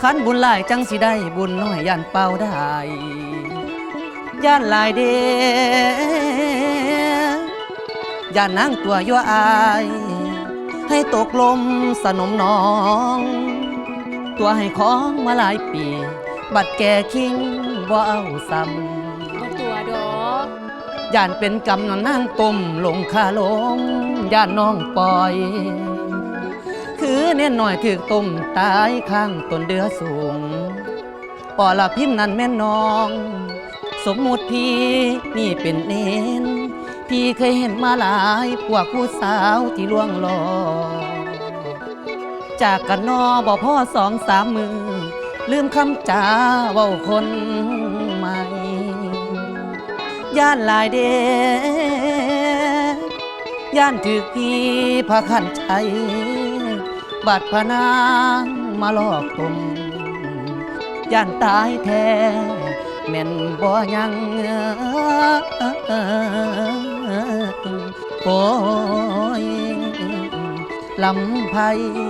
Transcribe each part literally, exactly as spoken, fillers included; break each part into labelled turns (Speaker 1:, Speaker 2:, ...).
Speaker 1: ขันบุญหลายจังสิได้บุญน้อยย่านเป่าได้ย่านหลายเดย่านนางตัวยั่วอายให้ตกลมสนมน้องตัวให้ของมาหลายปีบัดแก่คิงบ่เอาซ้ำ
Speaker 2: บ่ตัวดอก
Speaker 1: ย่านเป็นกำนอนนางต้มลงคาลงย่านน้องปล่อยคือเน่นหน่อยถึกต้มตายข้างต้นเดือสูงปอละพิมพ์นั้นแม่น้องสมมุติพี่นี่เป็นเน้นพี่เคยเห็นมาหลายพวกผู้สาวที่ล่วงหลอจากกันนอบ่พ่อสองสามมือลืมคำจาเว้าคนใหม่ย่านหลายเดย่านถึกพี่พาขันใจบัดพนางมาหลอกตมย่านตายแท้แม่นบ่ยังโอ้ยลำไพ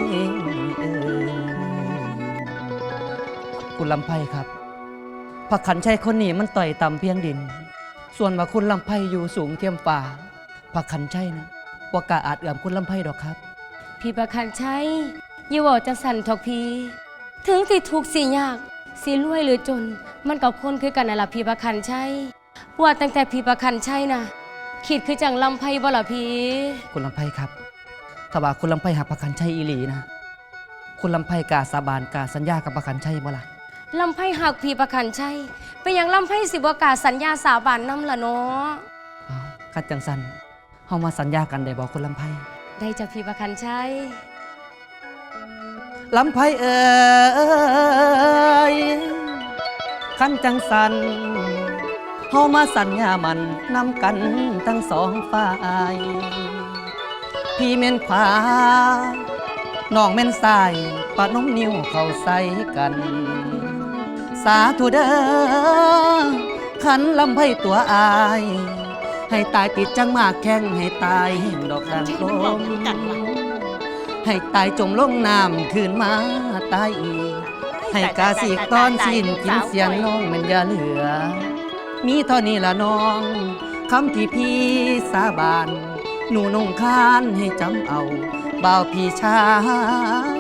Speaker 1: คุณลำไพครับพระขันชัยคนนี้มันต่อยต่ำเพียงดินส่วนว่าคุณลำไพอยู่สูงเทียมฟ้าพระขันชัยนะว่ากะอาจเอื้อมคุณลำไพดอกครับ
Speaker 2: พี่ประคันชัยอย่าบอกจังสันทอกพี่ถึงสิทุกข์สิยากสิรวยหรือจนมันกับคนคือกันน่ะล่ะพี่ประคันชัยว่าตั้งแต่พี่ประคันชัยนะคิดคือจังลำไพบ่ล่ะพี่
Speaker 1: คุณลำไพครับถ้าว่าคุณลำไพหักพระขันชัยอีหลีนะคุณลำไพกาสาบานกาสัญญากับพระขันชัยบ่ล่ะ
Speaker 2: ลำไพหักพี่ประคันชัยไปยังลำไพสิบ่กาสัญญาสาบานนำล่ะเนาะ
Speaker 1: อ้าวคัดจังสันเฮามาสัญญากันได้บ่คุณลำไพ
Speaker 2: ได้จ้ะพี่ประคันชัย
Speaker 1: ลำไพเอ่ยคันจังสันเฮามาสัญญามันนำกันทั้งสองฝ่ายพี่เม่นขวาน้องเม่นซ้ายปะนมนิ้วเข้าใส่กันสาธุเด้อขันลำไพตัวอายให้ตายติดจังมากแข้งให้ตายเห็นดอกดังลมให้ตายจมลงน้ำคืนมาตายอีกให้กาสีกตอนสิ้นกินเสียงน้องมันอย่าเหลือมีเท่านี้ละน้องคำที่พี่สาบานหนูนงคานให้จำเอาบ่าวพี่ชาย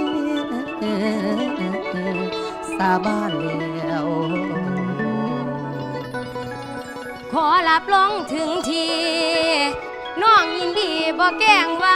Speaker 1: สาบานแล้ว
Speaker 2: ขอรับรองถึงทีน้องยินดีบ่แกล้งว่า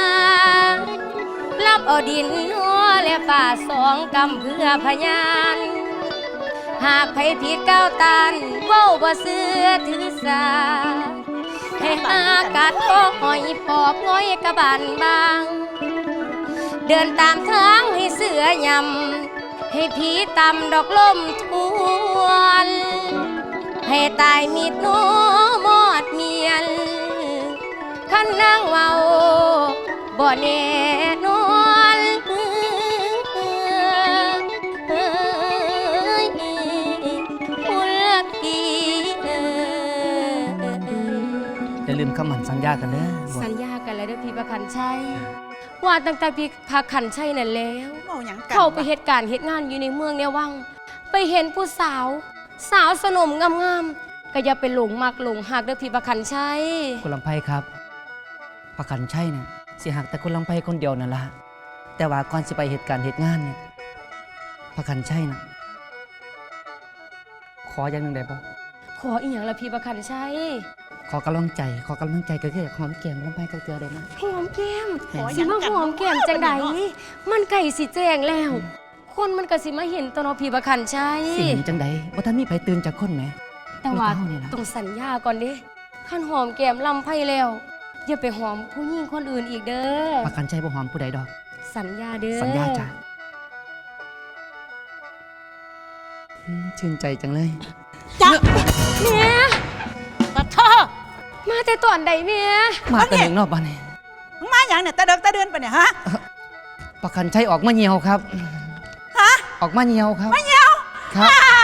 Speaker 2: รับเอาดินหัวและป่าสองกำเพื่อพยานหากไผผิดก้าวตันเว้าบ่เสื่อถือสาให้หากัดก็หอยปอบง้อยกระบาลบางเดินตามทางให้เสือยำให้ผีตำดอกลมทวนให้ตายมีดโนมอดเมียนขันนางเว้าบ่แน่นอน
Speaker 1: อย่าลืมคำหมั่นสัญญากันเด้อ
Speaker 2: สัญญากันแล้วเด้อพี่ประคันชัยว่าตั้งแต่พี่ประคันชัยนั่นแล้วเข้าไปเหตุการณ์เหตุงานอยู่ในเมืองเนี่ยวังไปเห็นผู้สาวสาวสนมงามๆก็อย่าไปหลงมักหลงหักเด้อพี่ประคันชัย
Speaker 1: คุณลำไพครับประคันชัยเนี่ยสิหักแต่คุณลำไพคนเดียวนั่นละแต่ว่าก่อนสิไปเหตุการณ์เหตุงานเนี่ยประคันชัยนะขออย่างหนึ่งได้บ่
Speaker 2: ขออีกอย่างละพี่ประคันชัย
Speaker 1: ขอกำลังใจขอกำลังใจก็คือหอมแก้มลำไพกับเกลือได้ไหม
Speaker 2: หอมแก้มสิมาหอมแก้มจังใดมันไก่สิแจ้งแล้วคนมันก็สิมาเห็นตอนอพี่ประคันชัย
Speaker 1: สิเห็นจังใดว่าท่านมีไผตื่นจากคนไหม
Speaker 2: แต่ว่าต้องสัญญาก่อนดิขั้นหอมแก้มลำไพแล้วอย่าไปหอมผู้หญิงคนอื่นอีกเด้อ
Speaker 1: ประคันชัยบ่หอมผู้ใดดอก
Speaker 2: สัญญาเด้อ
Speaker 1: สัญญาจ้ะชื่นใจจังเลย
Speaker 2: จ้ะเมียตัดท่อมาแต่ตอนใดเมีย
Speaker 1: มาแต่หนึ่งรอบบ้านนี่
Speaker 3: มึงมาอย่างเนี่ยตะเดิกตะเดินไปเนี่ยฮะ
Speaker 1: ประคันชัยออกมาเหี่ยวครับ
Speaker 3: ฮะ
Speaker 1: ออกมาเหี่ยวครับ
Speaker 3: มาเหี่ยว
Speaker 1: ครับ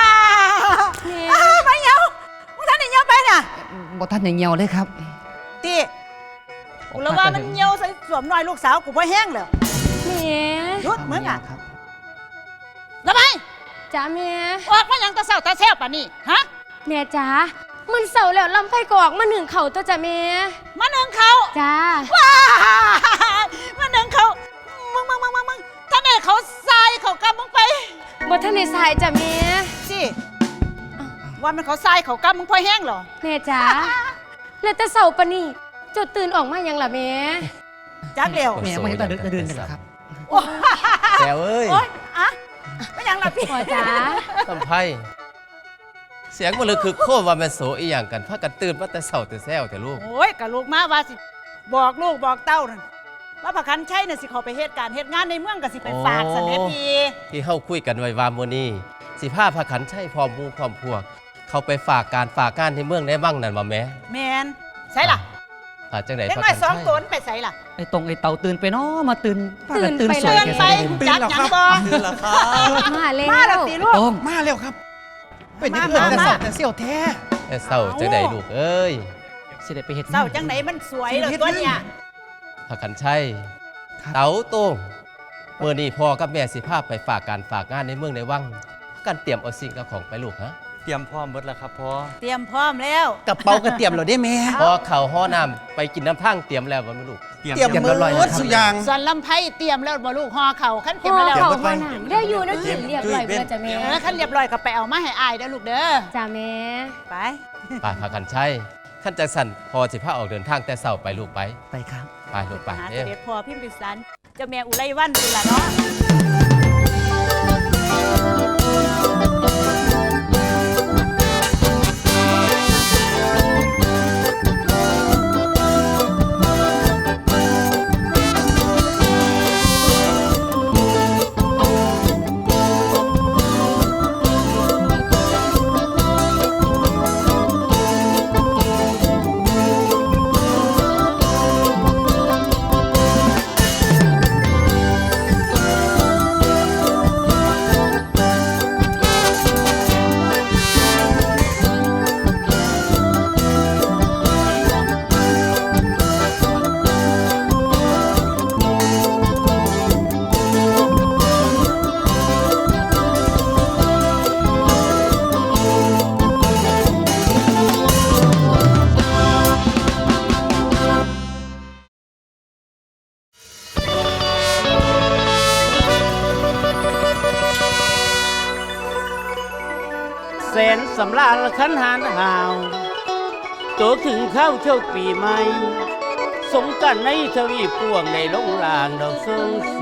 Speaker 3: มาเหี่ยวมึงท่านได้เหี่ยวไปน่ะ
Speaker 1: บ่ท่านได้เหี่ยวเลยครับ
Speaker 3: ตีกูแล้วว่ามันเหี่ยวใส่สวมน้อยลูกสาวกูบ่แห้งเลย
Speaker 2: เมีย
Speaker 3: ยุดมึงอ่ะแล้วไป
Speaker 2: จ้าแม่
Speaker 3: ออกมาหยังตาเศร้าตาแซ่บป่ะนี่ฮะ
Speaker 2: แม่จ้ามันเศร้าแล้วลำไฟก็ออกมาหนึ่งเข่าตัวจ้าแม่
Speaker 3: มาหนึ่งเขา
Speaker 2: จ้า
Speaker 3: ว้ามาหนึ่งเขามึงมึงมึงมึงมึงท่านไหนเขาทรายเขากำมึงไป
Speaker 2: บ่ทันได้สายจ้าแม่
Speaker 3: สิว่ามันเขาทรายเขากำมึงพอแห้งเหรอ
Speaker 2: แม่จ้าแล้วแต่เศร้าปะนี่เจ้าตื่นออกมาหยังล่ะแม่
Speaker 3: จักเดียว
Speaker 1: แม่ไม่เห็นตาเดินตาเดินกันเหรอครับ
Speaker 3: โอ้
Speaker 4: แซวเอ้ย
Speaker 3: โอ๊ยอะไม่ยังละพี่
Speaker 2: พ่อจ้า
Speaker 4: ลำไพ่เสียงมันเลยคือโคตรว่าแม่นโสอีหยังกันพากันตื่นมาแต่เช้าแต่แซวแต่ลูก
Speaker 3: โอ้ยกับลูกมาว่าสิบอกลูกบอกเต้านั่นว่าประคันใช่น่ะสิเขาไปเหตุการณ์เหตุงานในเมืองกับสิไปฝากสันเดพี
Speaker 4: ที่เฮาคุยกันไว้ว่ามื้อนี้สิพาพาขันใช้พร้อมหมู่พร้อมพวก เขาไปฝากการฝากงานในเมืองในบ้างนั่นว่าแม่
Speaker 3: แมนใช่ล่ะ
Speaker 4: ฝากจังได๋
Speaker 3: เล็ก
Speaker 4: พา
Speaker 3: น้อ
Speaker 4: ขั
Speaker 3: ย
Speaker 4: น
Speaker 3: สอง
Speaker 4: ใช้
Speaker 3: ตัวนั่นไปใส่ล่ะ
Speaker 1: ไอ้ตรงไอ้เต่าตื่นไปเนาะมาตื่นพากั
Speaker 2: ตื่นไป
Speaker 1: สวย
Speaker 3: เตือน
Speaker 1: แก
Speaker 3: ไป
Speaker 1: ซะได้
Speaker 3: จักหยังบอ
Speaker 5: ตื่นแล้วครับ
Speaker 2: มาแล้ว
Speaker 3: มาแล้วตีลูก
Speaker 1: ตรง
Speaker 5: มาแล้วครับ เป็น
Speaker 3: มา
Speaker 5: เพื่อนแต่
Speaker 3: มา
Speaker 5: สาวแต่เสี่ยวแท้
Speaker 4: แต่เช้าจังได๋ลูกเอ้ย
Speaker 1: สิได้ไปเฮ็ด
Speaker 3: เศร้าจังไหนมันสวยเลยตัวเนี่ย
Speaker 4: พาขันใช้เต๋าโต้งมื้อนี้พ่อกับแม่สิพาไปฝากการฝากงานในเมืองในวังกันเตรียมเอาสิ่งเอาของไปลูกฮะ
Speaker 5: เตรียมพร้อมหมดแล้วครับพ่อ
Speaker 3: เตรียมพร้อมแล้ว
Speaker 5: กระเป๋าก็เตรียมแล้วได้แม่
Speaker 4: พอเข้าห้อน้ำไปกินน้ำทั้งเตรียมแล้วบ่แม่ลูก
Speaker 5: เตรียมหมดสุดอย่าง
Speaker 3: ส่วนลำไผ่เตรียมแล้วบ่ลูกห่อเข่าขั้นเตรียม
Speaker 2: พ่อ
Speaker 3: แล้ว
Speaker 2: เขา
Speaker 5: เดี๋ยว
Speaker 2: พ่อหนังได้อยู่นะกินเรียบร้อยเพื่อจ้าแม่
Speaker 3: เออขั้นเรียบร้อยก็ไปเอามาให้อายเด้อลูกเด้อ
Speaker 2: จ้าแม่
Speaker 3: ไป
Speaker 4: ไปพากันใช้ขั้นจังสันพอสิพาออกเดินทางแต่เช้าไปลูกไป
Speaker 1: ไปครับ
Speaker 4: ไปลูกไป
Speaker 3: หา
Speaker 4: เด้
Speaker 3: เส
Speaker 4: อ
Speaker 3: ด็จพ่อพิมพิสารเจ้าแม่อุไรวันตุลาเนาะ
Speaker 6: แสนสำราญขันหานหาวโตถึงเข้าเที่ยวปีใหม่ สงกันในทวีปวงในลงลางดอกทรงสี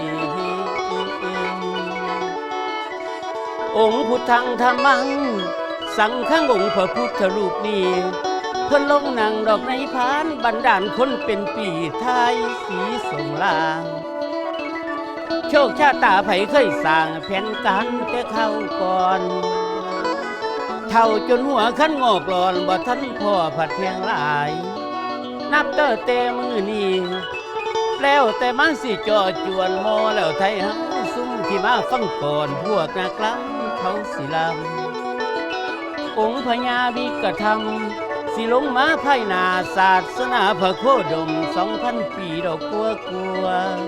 Speaker 6: องค์พุทธังธรรมัง สังฆังองค์พระพุทธรูปนี้ เพิ่นลงนั่งดอกในพานบันดาลคนเป็นปีไทยสีสงลาง โชคชาตาไผเคยสร้างแผนการแต่เข้าก่อน เท่าจนหัวขั้นงอกหลอนบ่ทันพ่อผัดเพียงหลาย นับเตอเตมือนี้แล้วแต่มันสิจอจวนโมแล้วไทยเฮาซุ่มที่มาฟังก่อนพวกนักล้ำเขาสิลำองค์พญาวิกธรรม สิลงมาภายหนาศาสนาพระโคดมสองพันปีดอกกัวกัว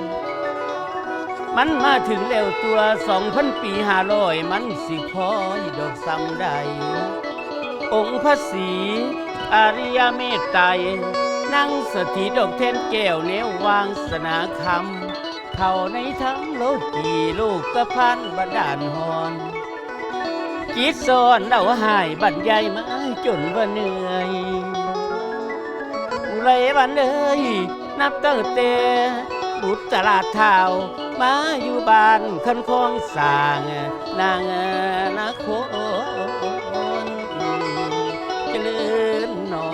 Speaker 6: มันมาถึงแล้วตัวสองพันปีห้าร้อยมันสิพอยดอกซ้ำใด องค์พระศรีอริยเมตไตรนั่งสถิตดอกเทนแก้วเนววางสนาคำเข้าในทั้งโลกีโลกกระพันบันดาลหอนจิตสอนเดาหายบรรยายมาจนว่าเหนื่อยอุไรบันเลยนับตั้งแต่บุตรตลาดเท้ามาอยู่บ้านคันคลองสร้างนางนาโคนเจริญนอ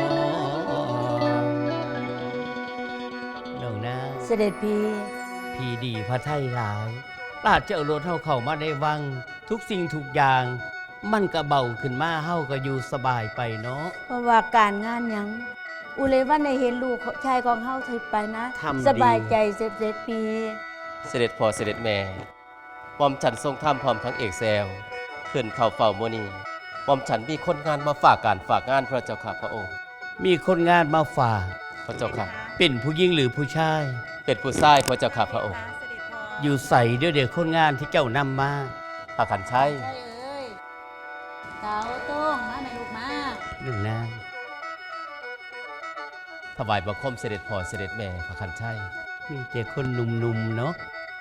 Speaker 6: น้องนา
Speaker 2: เสด็จพี่
Speaker 6: พี่ดีพระไทยหลายราชเจ้ารถเฮาเข้ามาได้วัง ทุกสิ่งทุกอย่าง มันก็เบาขึ้นมาเฮาก็อยู่สบายไปเนาะ
Speaker 7: เพราะว่าการงานหยัง อุเลยว่าในเห็นลูกชายของเฮาถึงไปนะ
Speaker 6: ทำดี
Speaker 7: สบายใจเสร็จเสร็จปี
Speaker 4: เสด็จพ่อเสด็จแม่หม่อมฉันทรงทำพร้อมทั้งเอกแซวขึ้นเข้าเฝ้าโมอนีหม่อมฉันมีคนงานมาฝากการฝากงานพระเจ้าค่ะพระองค์
Speaker 6: มีคนงานมาฝาก
Speaker 4: พระเจ้าค่ะ
Speaker 6: เป็นผู้หญิงหรือผู้ชาย
Speaker 4: เป็นผู้ชายพระเจ้าค่ะพระองค์
Speaker 6: อยู่ใส่เดี๋ยวเดี๋ยวคนงานที่เจ้านำมา
Speaker 4: พพระขันชัย
Speaker 7: ใช่เอ้ยเต๋าโต้งมาแม่ลูกมา
Speaker 6: หนึ่งนาง
Speaker 4: ถวายบังคมเสด็จพ่อเสด็จแม่พระขันชัย
Speaker 6: มีแต่คนหนุ่มๆเนาะ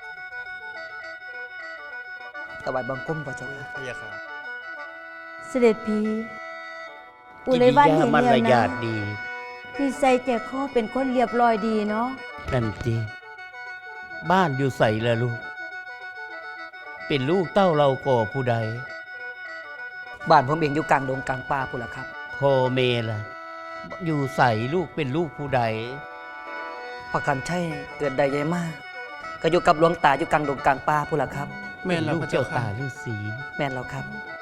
Speaker 1: ถวายบังคมพระเจ้าค่ะ
Speaker 5: พะยะค่ะ
Speaker 7: เสด็จพีอุไรวันเห็น
Speaker 6: มัน
Speaker 7: แล้ว
Speaker 6: ระยา
Speaker 7: นะ
Speaker 6: ดดี
Speaker 7: นิสัยแจกข้อเป็นคนเรียบร้อยดีเนาะ
Speaker 6: นั่นจีบ้านอยู่ใส่ละลูก เป็นลูกเต้าเราก่อผู้ใด
Speaker 1: บ้านผมเองอยู่กลางดงกลางป่าพุ่นล่ะครับ
Speaker 6: พ่อเมล่ะ อยู่ใส่ลูกเป็นลูกผู้ใด
Speaker 1: พระกันชัยเกิดได้ใหญ่มาก ก็อยู่กับหลวงตาอยู่กลางดงกลางป่าพุ่นล่ะครับ
Speaker 5: แม่นแล้ว
Speaker 6: ลูก
Speaker 5: พระ
Speaker 6: เจ้า
Speaker 5: เจ้า
Speaker 6: ตา
Speaker 5: ค่ะ
Speaker 6: ฤาษี
Speaker 1: แม่นแล้วครับ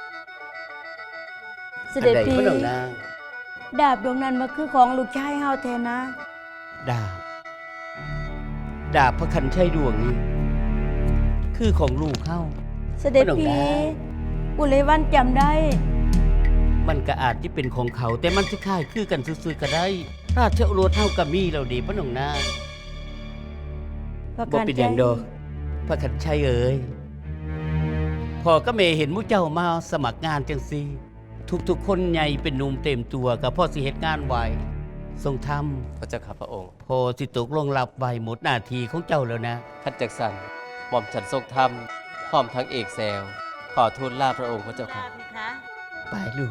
Speaker 7: เสด็จ
Speaker 6: อันใด
Speaker 7: พี
Speaker 6: พระนาง
Speaker 7: ดาบดวงนั้นมาคือของลูกชายเฮาแทนนะ
Speaker 6: ดาบ ดาบพระคันชัยดวงนี้ คือของลูกเข้า
Speaker 7: เสด็จ
Speaker 6: พระนาง
Speaker 7: พี
Speaker 6: ได้
Speaker 7: อุไรวันจำได้
Speaker 6: มันก็อาจที่เป็นของเขา แต่มันสิค่ายคือกันซื่อๆก็ได้ ราชโอรสเท่ากับมีเราดีพระนางนา
Speaker 7: พระ
Speaker 6: บ่
Speaker 7: กัน
Speaker 6: เป็นอย่างดอกพระคันชัยเอ๋ยพ่อก็เมเห็นมุเจ้ามาสมัครงานจังซีทุกๆคนใหญ่เป็นหนุ่มเต็มตัวกับพ่อสิเหตุงานไวทรงท
Speaker 4: พระเจ้าข้าพระองค์
Speaker 6: ำพอสิตกลงรับไวหมดหน้าที่ของเจ้าแล้วนะ
Speaker 4: ขันจักสันหม่อมฉันทรงธรรมพร้อมทั้งเอกแซวขอทูลลาพระองค์พระเจ้าค่ะ
Speaker 6: ไปลูก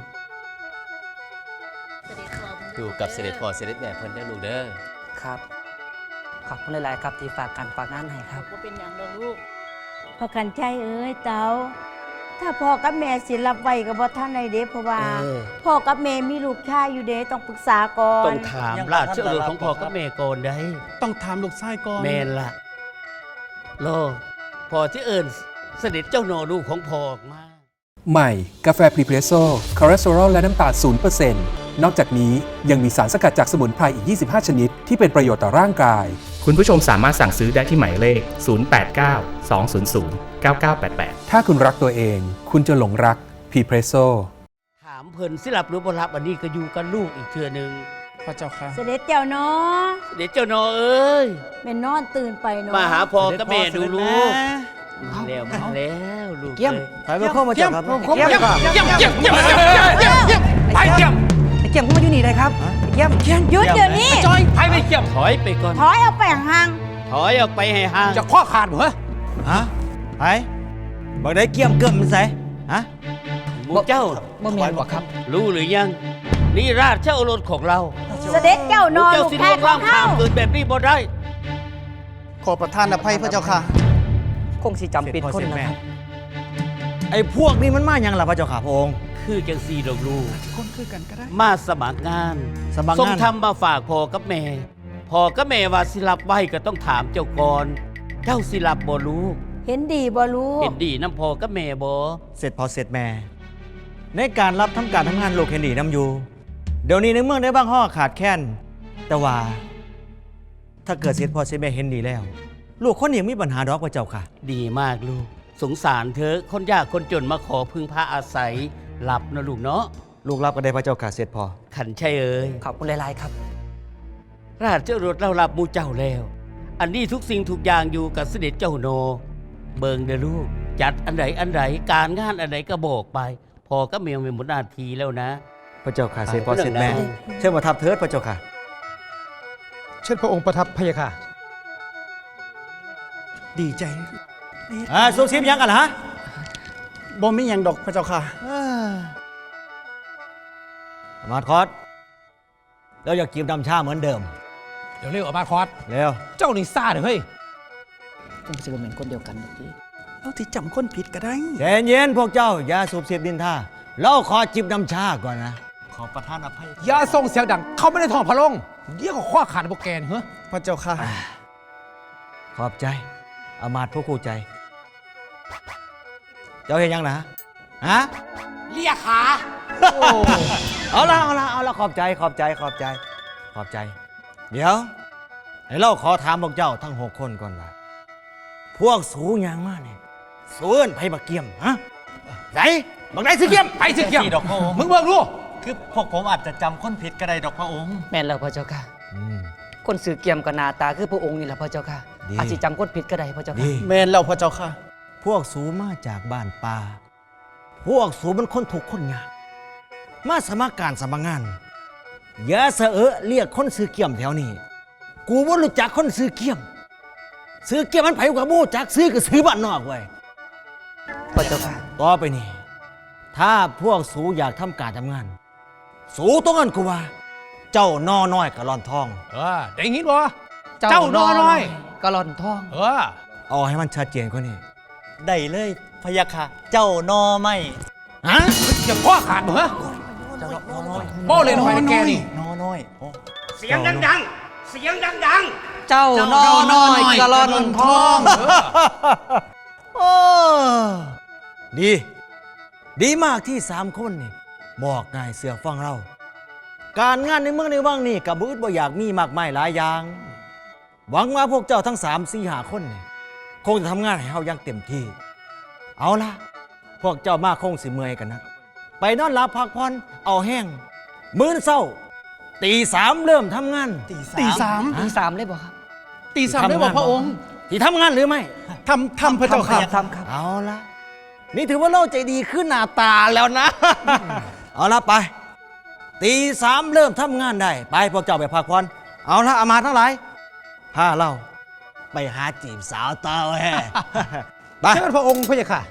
Speaker 4: อยู่กับเสด็จพ่อเสด็จแม่เพิ่นได้อลูกเด้อ
Speaker 1: ครับ ขอบคุณหลายๆครับที่ฝากการฝากงานให้ครับ
Speaker 3: บ่เป็นหยังดอกลูก
Speaker 7: พระกันชัยเอ้ยเต๋าถ้าพ่อกับแม่สิรับไว้กับบ่ท่านในเด้เพราะว่า
Speaker 6: เออ
Speaker 7: พ่อกับแม่มีลูกชายอยู่เด้ต้องปรึกษาก่อน
Speaker 6: ต้องถามราชโอรสของพ่อกับแม่ก่อนได้
Speaker 5: ต้องถามลูกชายก่อน
Speaker 6: แม่นละโลพอที่เอิญเสด็จเจ้าโนลูกของพ่อออกมา
Speaker 8: ใหม่ กาแฟพรีเพรสโซ่คอเลสเตอรอลและน้ำตาล ศูนย์เปอร์เซ็นต์ นอกจากนี้ยังมีสารสกัดจากสมุนไพรอีก ยี่สิบห้า ชนิด ที่เป็นประโยชน์ต่อร่างกาย
Speaker 9: คุณผู้ชมสามารถสั่งซื้อได้ที่หมายเลข ศูนย์ แปด เก้า สอง ศูนย์ ศูนย์ เก้า เก้า แปด แปด
Speaker 8: ถ้าคุณรักตัวเอง คุณจะหลงรักพรีเพรสโซ่
Speaker 6: ถามเพิ่นสิรับหรือบ่รับอันนี้ก็อยู่กับลูกอีกเทื่อหนึง
Speaker 5: พระเจ้าค่ะ
Speaker 7: เสด็จเจ้าเนาะ
Speaker 6: เสด็จเจ้าโนเอ้ย
Speaker 7: แม่นอนตื่นไปเนาะ
Speaker 6: มาหาพ่อกับแม่ดูลูก
Speaker 5: เสด็จพ่อ
Speaker 6: มาแล้วมาแล้วลูก
Speaker 1: เยี่ยม
Speaker 6: อ้
Speaker 5: ไปเข้ามาเจ้าครับ
Speaker 1: เยี่ยม
Speaker 5: เยี่ยมเยี่ยมเยี่ยมเยี่ยมเยี่ยมเยี่ยมไปเยี่ยม
Speaker 1: ไอ้เกี่ยมเข้ามาอยู่นี่เลยครับไอ้เกี่ยมเกี่ยม
Speaker 7: หยุดเดี๋ยวนี้
Speaker 5: จอยไปไม่เยี่ยม
Speaker 6: ถอยไปก่อน
Speaker 7: ถอยเอาไปห่าง
Speaker 6: ถอยออกไปให้ห่าง
Speaker 5: จะข้อขาดเหรอฮะไปบอกได้เกี่ยมเกิมมันใส่ฮะ
Speaker 6: หมู่เจ้า
Speaker 1: บ่แม่นบ่ครับ
Speaker 6: รู้หรือยัง นี่ราชโอรสของเรา
Speaker 7: ๆเสด็จเจ้า
Speaker 6: ห
Speaker 7: น
Speaker 6: มู่
Speaker 7: อน
Speaker 6: เจ้า
Speaker 7: ลูก
Speaker 6: สิ
Speaker 7: ชา
Speaker 6: ล่
Speaker 7: ยว
Speaker 6: ง
Speaker 7: ขอ
Speaker 6: ล้าง ง
Speaker 7: เฮา
Speaker 6: ข้ามเกินแบบนี้บ่ได้
Speaker 5: ขอประทานอภัยพระเจ้าค่ะ
Speaker 1: คงสิจำเป็นคนนะครับ
Speaker 5: ไอ้พวกนี้มันมาอย่างล่ะพระเจ้าค่ะพระองค์
Speaker 6: คือจังซีดอกลูก
Speaker 5: คนคือกันก็ได้
Speaker 6: มาสมัครงาน
Speaker 5: สมัครงาน
Speaker 6: ส่งทำมาฝากพ่อกับแม่พ่อกับแม่ว่าสิรับไว้ก็ต้องถามเจ้าก่อน เจ้าสิรับบ่ลูก
Speaker 7: เห็นดีบ่ลูก
Speaker 6: เห็นดีน้ำพ่อกับแม่บ่
Speaker 5: เสร็จพอเสร็จแม่ ในการรับทำการทำงานโลกเฮนดีน้ำอยู่ เดี๋ยวนี้ในเมืองได้บ้างห่อขาดแคลนแต่ว่า ถ้าเกิดเสร็จพอเสร็จแม่เห็นดีแล้ว ลูกคนนี้มีปัญหาดอกพระเจ้าค่ะ
Speaker 6: ดีมากลูก สงสารเธอคนยากคนจนมาขอพึ่งพาอาศัยหลับนะลูกเนาะ
Speaker 5: ลูกรับก็ได้พระเจ้าค่ะเสร็จพอ
Speaker 6: ขันใช่เอ่ย
Speaker 1: ขอบคุณหลายๆครับ
Speaker 6: ราชโอรสเรารับหมูเจ้าแล้ว อันนี้ทุกสิ่งทุกอย่างอยู่กับเสด็จเจ้าโน เบิงเด้อลูก จัดอันไหนอันไหนการงานอันไหนก็บอกไป พอก็เมียเป็นหมดหน้าทีแล้วนะ
Speaker 5: พระเจ้าค่ะเสร็จพอเสร็จแม่
Speaker 6: ไป
Speaker 5: เชิญมาทับเทิดพระเจ้าค่ะ
Speaker 10: เช่นพระองค์ประทับพระยาค่ะ
Speaker 5: ดีใจอ่าสุขชิมยังกันเหรอฮะ
Speaker 10: บ่มีอย่างดอกพระเจ้าค่ะ
Speaker 5: มาคอสแล้วอยากกินดำชาเหมือนเดิม
Speaker 10: เดี๋ยวเร็วออกมาคอส
Speaker 5: เร็ว
Speaker 10: เจ้านี่ซ่าเด้อเฮ้ย
Speaker 1: คงสิบ่แม่นคนเดียวกันดอกติ
Speaker 10: เอาที่จำคนผิดก็ได้
Speaker 5: ใจเย็นพวกเจ้า อย่าสูบเสียบดินท่าเราขอจิบน้ำชาก่อนนะ ขอประทานอภัย
Speaker 10: อย่าส่งเสียงดัง เขาไม่ได้ท้องพระลงเดี๋ยวก็ข้อขาดพวกแกนเหรอพระเจ้าค่ะ
Speaker 5: ขอบใจอามาตย์ผู้คู่ใจ เจ้าเห็นยังนะฮะ
Speaker 10: เลียขา
Speaker 5: เอาละเอาละเอาละขอบใจขอบใจขอบใจ ขอบใจ เดี๋ยวให้เราขอถามพวกเจ้าทั้งหกคนก่อนว่าพวกสูงยางมากเนี่ยสูนไผ่บักเกียมฮะไหนบักไหนสิเกียม
Speaker 10: ไปสิเกี่ยม
Speaker 5: ดอกพระองค์
Speaker 10: มึงเบิ่งดู
Speaker 5: คือพวกผมอาจจะจำคนผิดก็ได้ดอกพระองค์
Speaker 1: แม่นแล้วพระเจ้าค่ะ คนสื่อเกี่ยมกับหนาตาคือพระองค์นี่แหละพระเจ้าค่ะ
Speaker 5: ดี
Speaker 1: อาจสิจำคนผิดก็ได้พระเจ้าค่ะ
Speaker 5: ดี
Speaker 10: แมนแล้วพระเจ้าค่ะ
Speaker 5: พวกสูมาจากบ้านป่าพวกสูมันคนถูกข์คนยากมาสมัครการสมัครงานอย่าเสอะเอะเรียกคนซื้อเกี่ยมแถวนี้กูบ่รู้จักคนซื้อเกี่ยมซื้อเกี่ยมมันไผกว่าบ่รู้จักซื้อก็ซื้อบ้านนอกไว้
Speaker 1: พระเจ้าค่ะ
Speaker 5: ต่อไปนี่ถ้าพวกสูอยากทำการทำงาน สูต้องกันกูว่า เจ้านอน้อยกะลอนทอง
Speaker 10: เออได้ยินบ่เจ้านอน้อย
Speaker 1: กะลอนทอง
Speaker 10: เออ
Speaker 5: เอาให้มันชัดเจนกว่านี้
Speaker 11: ได้เลยพะยะค่ะ เจ้านอไม่
Speaker 5: ฮะ
Speaker 10: อย่าข้อขาดบ่ฮะ
Speaker 11: เจ้านอน้อย
Speaker 10: บ่เลยหน่อยนะแกนี่
Speaker 11: นอน้อยโอ้
Speaker 6: เสียงดังๆ เสียงดัง
Speaker 1: เจ้านอน้อยกะลอนทอง
Speaker 5: โอ้ดี ดีมากที่สามคนนี่บอกง่ายเสือฟังเรา การงานในเมืองในว่างนี่กับบุตรบ่อยากมีมากมายหลายอย่าง หวังว่าพวกเจ้าทั้งสามสี่หาคนนี่คงจะทำงานให้เฮาอย่างเต็มที่ เอาล่ะ พวกเจ้ามาคงสิเมื่อยกันนะ ไปนอนหลับพักผ่อนเอาแห้ง มื้อเช้าตีสามเริ่มทำงาน
Speaker 11: ตี
Speaker 10: ตีสาม
Speaker 1: ตีสามเลยบ่ครับ
Speaker 10: ตีสามได้บ่พระองค์
Speaker 5: ที่ทำงานหรือไม่
Speaker 10: ทำทำพระเจ้าค่ะ
Speaker 1: ทำครับ
Speaker 5: เอาละนี่ถือว่าเราใจดีขึ้นหน้าตาแล้วนะ เอาละไป ตีสามเริ่มทำงานได้ ไปพวกเจ้าไปพักผ่อนเอาละอามาทั้งหลายพาเราไปหาจีบสาวเต้าแฮ่ ไป
Speaker 10: เชิญพระองค์พระยาค่ะ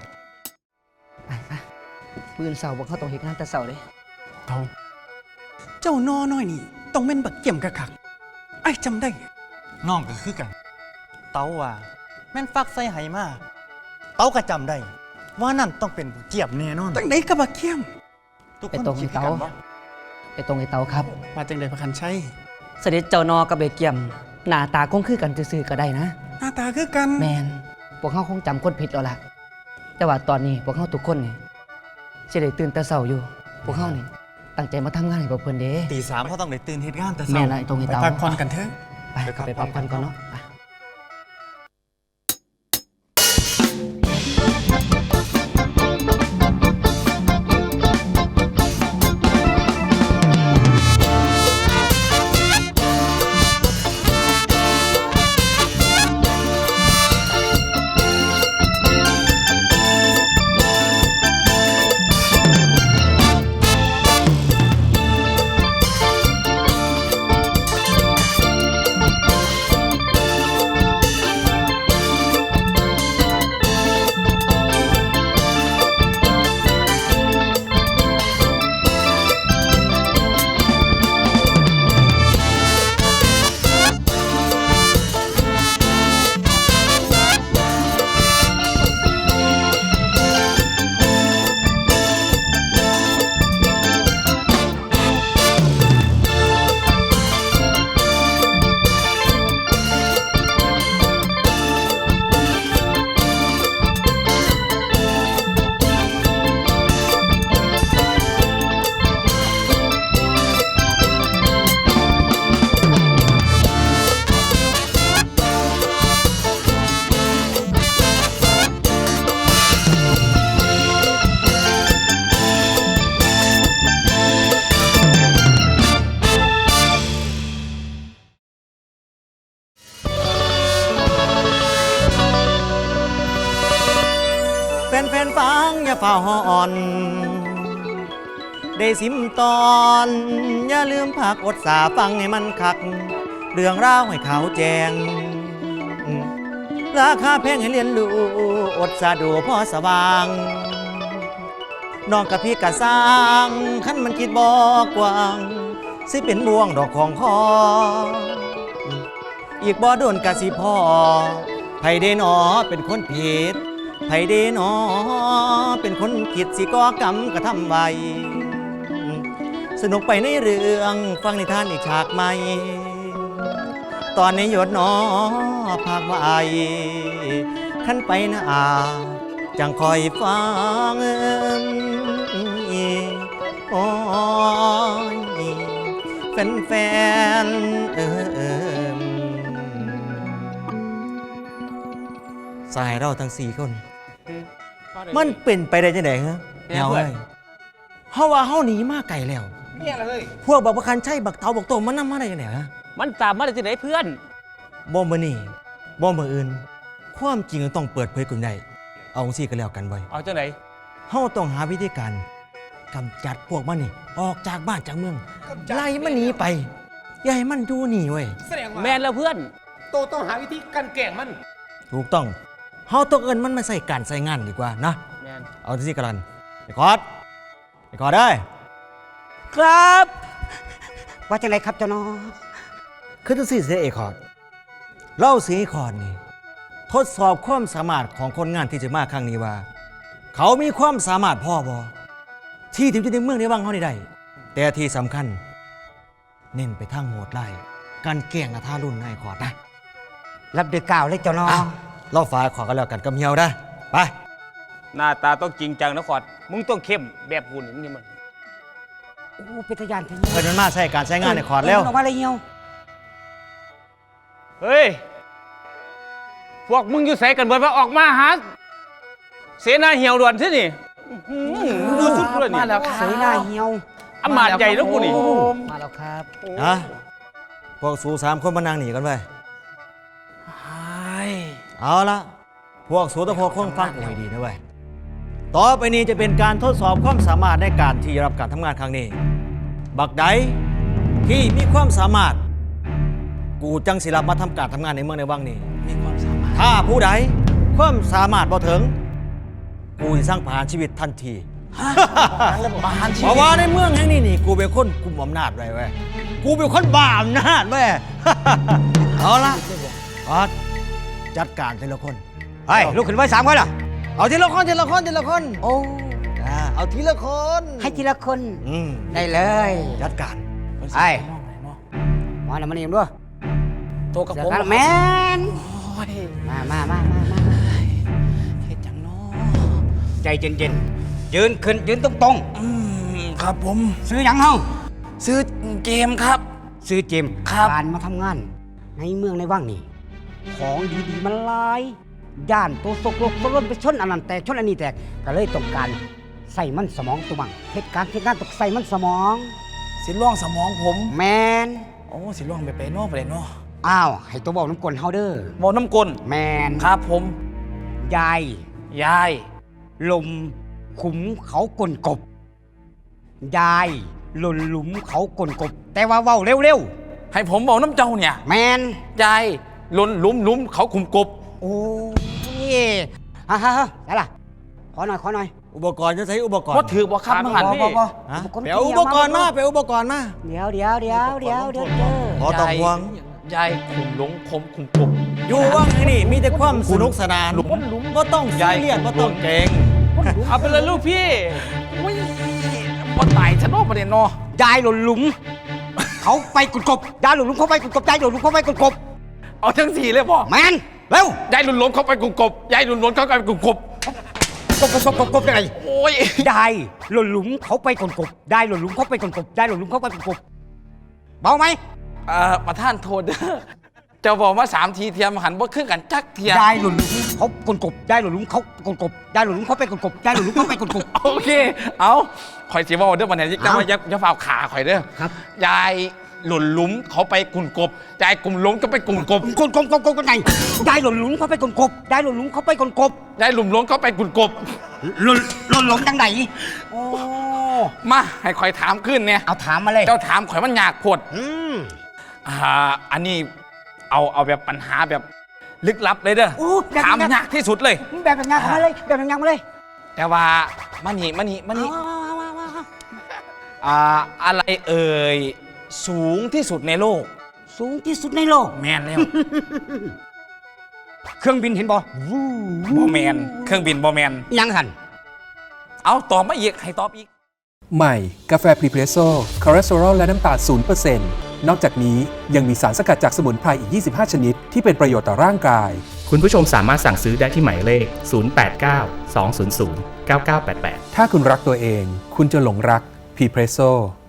Speaker 1: ปืนเสาบ่เข้าต้องเฮ็ดงานแต่เสาเลย
Speaker 12: เอาเจ้านอน้อยนี่ต้องเป็นบักเกี่ยมกะคักไอ้จำได้
Speaker 11: น้องก็คือกัน เต้าว่า แม่นฟักใส่ไหมาเต้าก็จำได้ ว่านั่นต้องเป็นผู้เจียบแน่นอน
Speaker 12: ตั้งไหนกับบักเกี่ยม
Speaker 11: ทุก
Speaker 1: ไป
Speaker 11: คน
Speaker 1: ตรงไอ้
Speaker 11: คิดคือ
Speaker 1: เตา
Speaker 11: กันบ่
Speaker 1: ไปตรงไอ้เตาครับ
Speaker 12: มาจังไดพระคันใช่
Speaker 1: เสด็จเจ้านอกับเบเกียมหน้าตาคงคือกันซื่อๆก็ได้นะ
Speaker 12: หน้าตาคือกัน
Speaker 1: แมนพวกเขาคงจำคนผิดแล้วล่ะ แต่ว่าตอนนี้พวกเขาทุกคนนี่สิได้ตื่นแต่เช้าอยู่ พวกเขานี่ตั้งใจมาทำงานให้พวกเพิ่นเด้
Speaker 11: ตีสามเขาต้องได้ตื่นเฮ็ดงานแต่เช้า
Speaker 1: แม่นละไอ้ตรงไอ้
Speaker 12: ไป
Speaker 1: เตา
Speaker 12: พักผ่อนกันเถอะ
Speaker 1: ไปกลับไปพักผ่อนก่อนเนาะไป
Speaker 5: แฟนๆฟังอย่าเฝ้าหอ่อน ได้สิมตอน อย่าลืมผักอดสาฟังให้มันคัก เรื่องราวให้เขาแจง ราคาแพงให้เรียนรู้อดสาดูพอสว่างน้องกับพี่กะสร้างขันมันคิดบอกกว้าง สิเป็นบ่วงดอกของคอ อีกบ่โดนกะสิพ่อไผเดนอเป็นคนผิดไผเดนอเป็นคนคิดสิก่อกรรมกระทำไว้ สนุกไปในเรื่องฟังนิทานอีกฉากใหม่ ตอนนี้หยดหนอภาคไว้ขั้นไปหน้าจังคอยฟังโอ้ยแฟนแฟนเออสายเราทั้งสี่คน มันเป็นไปได้ยังไงฮะแนวเอ้ยเฮาว่าเฮาหนีมาไกลแล้ว
Speaker 6: เนี่ยเลย
Speaker 5: พวกบักประคันใช่บักเตาบักโตมันนำมาได้ยังไงฮะ
Speaker 6: มันตามมาได้ที่ไหนเพื่อน
Speaker 5: บ่มื้อนี้บ่มื้ออื่น ความจริงต้องเปิดเผยกันได้เอาซี่ก็แล้วกันไว้
Speaker 10: เอาจังไหน
Speaker 5: เฮาต้องหาวิธีการกำจัดพวกมันนี่ออกจากบ้านจากเมืองไล่มันหนีไปอย่าให้มันอยู่นี่เว้ย
Speaker 10: แสดงว่า
Speaker 6: แมนแล้วเพื่อน
Speaker 10: โตต้องหาวิธีกันแกล้งมัน
Speaker 5: ถูกต้องเฮาต้องเอิ้นมันมาใส่การใส่งานดีกว่านะ
Speaker 6: แมน
Speaker 5: เอาที่ซี่กันลันไอ้คอดไอ้คอดได้
Speaker 12: ครับ ว่าจังไรครับเจ้าน้อ
Speaker 5: คือจังซี่เสียไอ้คอดเล่าสิไอ้คอดนี่ทดสอบความสามารถของคนงานที่จะมาครั้งนี้ว่า เขามีความสามารถพอบ่ที่ถึงจะในเมืองในวังเฮานี่ได้แต่ที่สำคัญ เน้นไปทางโหดไล่การแกล้งอาทารุ่นนายขอดนะ
Speaker 12: รับเดือกล่าวเลยเจ้าน้อ
Speaker 5: อ่ะเราฝ่ายขอกันแล้วกันกับเหี่ยวนะไป
Speaker 10: หน้าตาต้องจริงจังนะขอดมึงต้องเข้มแบบกูนี่มัน
Speaker 12: โอ้เป็นทะยานทะ
Speaker 5: เพิ่นมันมาใช้การใช้งานในขอดแล้ว
Speaker 12: ออกมาเลยเหี่ยว
Speaker 10: เฮ้ย พวกมึงอยู่ใส่กันเบิดว่าออกมาหาเสนาเหี่ยวด่วนที่นี่อื้อหือมึงดูสุดเลยนี่
Speaker 6: มาแล้วครับ
Speaker 12: เสยหน้าเหี่ยว
Speaker 10: อำมาตย์ใหญ่แล้วกูนี่
Speaker 6: มาแล้วครับ
Speaker 5: นะพวกสูสามคนมานั่งหนีกันไปเอาละพวกสูตะโพกคงฟังกูให้ดีนะเว้ยต่อไปนี้จะเป็นการทดสอบความสามารถในการที่รับการทำงานครั้งนี้ บักใดที่มีความสามารถ กูจังสิรับมาทำการทำงานในเมืองในวังนี้
Speaker 6: มีความสามารถ
Speaker 5: ถ้าผู้ใดความสามารถบ่ถึง กูจะสร้างผ่านชีวิตทันที
Speaker 6: ประหารชี
Speaker 5: เพ
Speaker 6: วิ
Speaker 5: ราะ
Speaker 6: ต
Speaker 5: ว่าในเมืองแห่งนี้นี่กูเป็นคนกุมอำนาจไว้เว้ยกูเป็นคนบ้าอำนาจเว้ย เอาละออดจัดการทีละคน
Speaker 12: เฮ้ยลูกขึ้นไว้สามคนเหรอ
Speaker 5: เอาทีละคนทีละคนทีละคน
Speaker 12: โอ้
Speaker 5: อ่าเอาทีละคน
Speaker 12: ให้ทีละคน
Speaker 5: อืม
Speaker 12: ได้เลย
Speaker 5: จัดการ
Speaker 12: ไอ้มาหน่อยมานี่ด้วย
Speaker 6: ตัวกับ
Speaker 12: เสือ
Speaker 6: ผม
Speaker 12: กันแมน
Speaker 6: โอ้ย
Speaker 12: มามามามามา
Speaker 6: เฮ็ดจังเนาะ
Speaker 12: ใจเย็นๆยืนขึ้นยืนตรง
Speaker 6: อืมครับผม
Speaker 12: ๆซื้อหยังเฮา
Speaker 6: ซื้อเกมครับ
Speaker 12: ซื้อเจมส์
Speaker 6: ครับ
Speaker 12: การมาทำงาน ในเมืองในว่างนี่ของดีๆมันหลายย่านตัวสกลกตัวล้นไปชนอันนั้นแต่ชนอันนี้แต่ก็เลยต้องการใส่มันสมองตัวบังเหตุการณ์เหตุการณ์ต้องใส่มันสมอง
Speaker 6: สิล่องสมองผม
Speaker 12: แมน
Speaker 6: โอ้สิล่องไปไปนอกไปเลยเนาะ
Speaker 12: อ้าวให้ตัวบอกน้ำกลนเฮาเด้อ
Speaker 6: บอกน้ำกล
Speaker 12: แมน
Speaker 6: ครับผม
Speaker 12: ยาย
Speaker 6: ยาย
Speaker 12: ลมขุมเขากลนกบ ยายหล่นหลุมเขากลนกบ แต่ว่าเว้าเร็ว
Speaker 6: ให้ผมบอกน้ำเจ้าเนี่ย
Speaker 12: ๆแมน
Speaker 6: ยายหลุนหลุมหลุมเขาคุมกบ
Speaker 12: โอ้ยฮ่าฮ่าฮ่าได้ล่ะขอหน่อยขอหน่อย
Speaker 5: อุปกรณ์จะใช้อุปกรณ์
Speaker 6: ว่าถือว่าครับมังหันพี่
Speaker 12: บ่บ่
Speaker 5: ฮะ
Speaker 12: อุปกรณ์
Speaker 5: ไปเอาอุปกรณ์มาไปเอาอุปกรณ์มา
Speaker 12: เดี๋ยวเดี๋ยวเดี๋ยวเดี๋ยวเดี๋ยวเดี๋ยว
Speaker 5: ขอต้องห่วง
Speaker 6: ยายขุมหลงคมคุมกบ
Speaker 5: อยู่ว่างไอ้นี่มีแต่ความสนุกสนาน
Speaker 6: หลุมหลุม
Speaker 5: ก็ต้องซีเรียสก็ต้องเก่ง
Speaker 6: เอาไปเลยลูกพี่อุ้ยพอตายฉันโอ้ประเด็นเนาะ
Speaker 12: ยายหล่นหลุม เขาไปกดกบยายหล่นหลุมเขาไปกดกบยายหล่นหลุมเขาไปกดกบ
Speaker 6: เอาทั้งสี่เลยพ่อ
Speaker 12: แมนเร็วย
Speaker 6: ายหลุนหลงเขาไปกุมกบยายหลุนหลงเขาไปกุมกบ
Speaker 12: กบกบกบกบกบยังไง
Speaker 6: โอ้ย
Speaker 12: ยายหล่นหลุมเขาไปกดกบยายหล่นหลุมเขาไปกดกบยายหล่นหลุมเขาไปกดกบเบาไหม
Speaker 6: เอ่อประท่านโทษเด้อเจ้าบอกว่าสามทีเทียมหันบ่ขึ้นกันจักเทียม
Speaker 12: ยายหล่นหลุมเขากดกบยายหล่นหลุมเขากดกบยายหล่นหลุมเขาไปกดกบยายหล่นหลุมเขาไปกดกบ
Speaker 6: โอเค เอาข่อยสิว่าเด้อวันนี้จะมาอย่าอย่าฝ่าขาข่อยเด้อ
Speaker 12: ครับ
Speaker 6: ยายหล่นหลุมเขาไปกุ่นกบยายกลุ่มหล้มก็ไปกุ่นกบ
Speaker 12: กดกบกบกบกันไงยายหล่นหลุมเขาไปกดกบยายหล่นหลุมเขาไปกดกบ
Speaker 6: ยายหลุมหล้มเขาไปกุ่นกบ
Speaker 12: หล่นหล่นหลุมจังไหนโอ้
Speaker 6: มาให้ข่อยถามขึ้นเนี่ย
Speaker 12: เอาถามมาเลย
Speaker 6: เจ้าถามข่อยมันยากโพด
Speaker 12: อืม
Speaker 6: อ่าอันนี้เอาเอาแบบปัญหาแบบลึกลับเลยเด้อ
Speaker 12: โอ้แบบ
Speaker 6: ถาม
Speaker 12: แบบ
Speaker 6: ยากที่สุดเลย
Speaker 12: แบบแบบงานมาเลยแบบแบบงานมาเลย
Speaker 6: แต่ว่ามานี่มานี่มานี่
Speaker 12: เอาเอาเอาเอาเอา
Speaker 6: อ่าอะไรเอ่ยสูงที่สุดในโลก
Speaker 12: สูงที่สุดในโลก
Speaker 6: แมนแล้ว
Speaker 12: เครื่องบินเห็นบ่
Speaker 6: บอแมนเครื่องบินบอแมน
Speaker 12: ยังหัน
Speaker 6: เอาตอบมาอีกให้ตอบอีก
Speaker 8: ใหม่ กาแฟพรีเพรสโซ่คอเลสเตอรอลและน้ำตาล ศูนย์เปอร์เซ็นต์ นอกจากนี้ยังมีสารสกัดจากสมุนไพรอีก ยี่สิบห้า ชนิด ที่เป็นประโยชน์ต่อร่างกาย
Speaker 9: คุณผู้ชมสามารถสั่งซื้อได้ที่หมายเลข ศูนย์ แปด เก้า สอง ศูนย์ ศูนย์ เก้า เก้า แปด แปด
Speaker 8: ถ้าคุณรักตัวเอง คุณจะหลงรักพรีเพรสโซ่